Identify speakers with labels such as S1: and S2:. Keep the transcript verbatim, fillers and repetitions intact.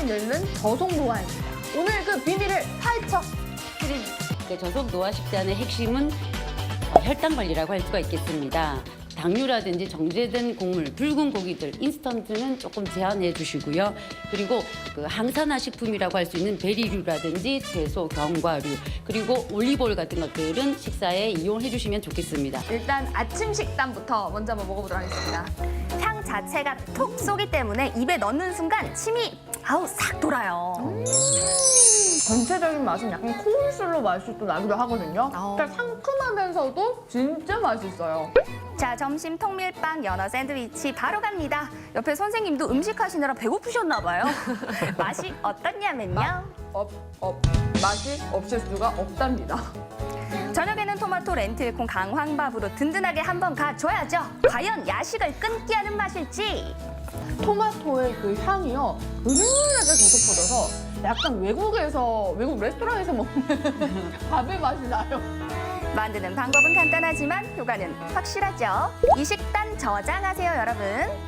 S1: 많이 늙는 저속 노화입니다. 오늘 그 비밀을 파헤쳐 드립니다.
S2: 그 저속 노화 식단의 핵심은 어, 혈당 관리라고 할 수가 있겠습니다. 당류라든지 정제된 곡물, 붉은 고기들, 인스턴트는 조금 제한해 주시고요. 그리고 그 항산화 식품이라고 할 수 있는 베리류라든지 채소, 견과류, 그리고 올리브오일 같은 것들은 식사에 이용해 주시면 좋겠습니다.
S1: 일단 아침 식단부터 먼저 한번 먹어보도록 하겠습니다.
S3: 향 자체가 톡 쏘기 때문에 입에 넣는 순간 침이 아우 싹 돌아요.
S1: 전체적인 맛은 약간 코울슬로 맛이 또 나기도 하거든요.
S3: 어.
S1: 그러니까 상큼하면서도 진짜 맛있어요.
S3: 자, 점심 통밀빵 연어 샌드위치 바로 갑니다. 옆에 선생님도 음식 하시느라 배고프셨나 봐요. 맛이 어떻냐면요.
S1: 업, 업. 맛이 없을 수가 없답니다.
S3: 저녁에는 토마토 렌틸콩 강황밥으로 든든하게 한번 가줘야죠. 과연 야식을 끊기 하는 맛일지.
S1: 토마토의 그 향이요. 은은하게 저속퍼져서 약간 외국에서, 외국 레스토랑에서 먹는 밥의 맛이 나요.
S3: 만드는 방법은 간단하지만 효과는 확실하죠. 이 식단 저장하세요, 여러분.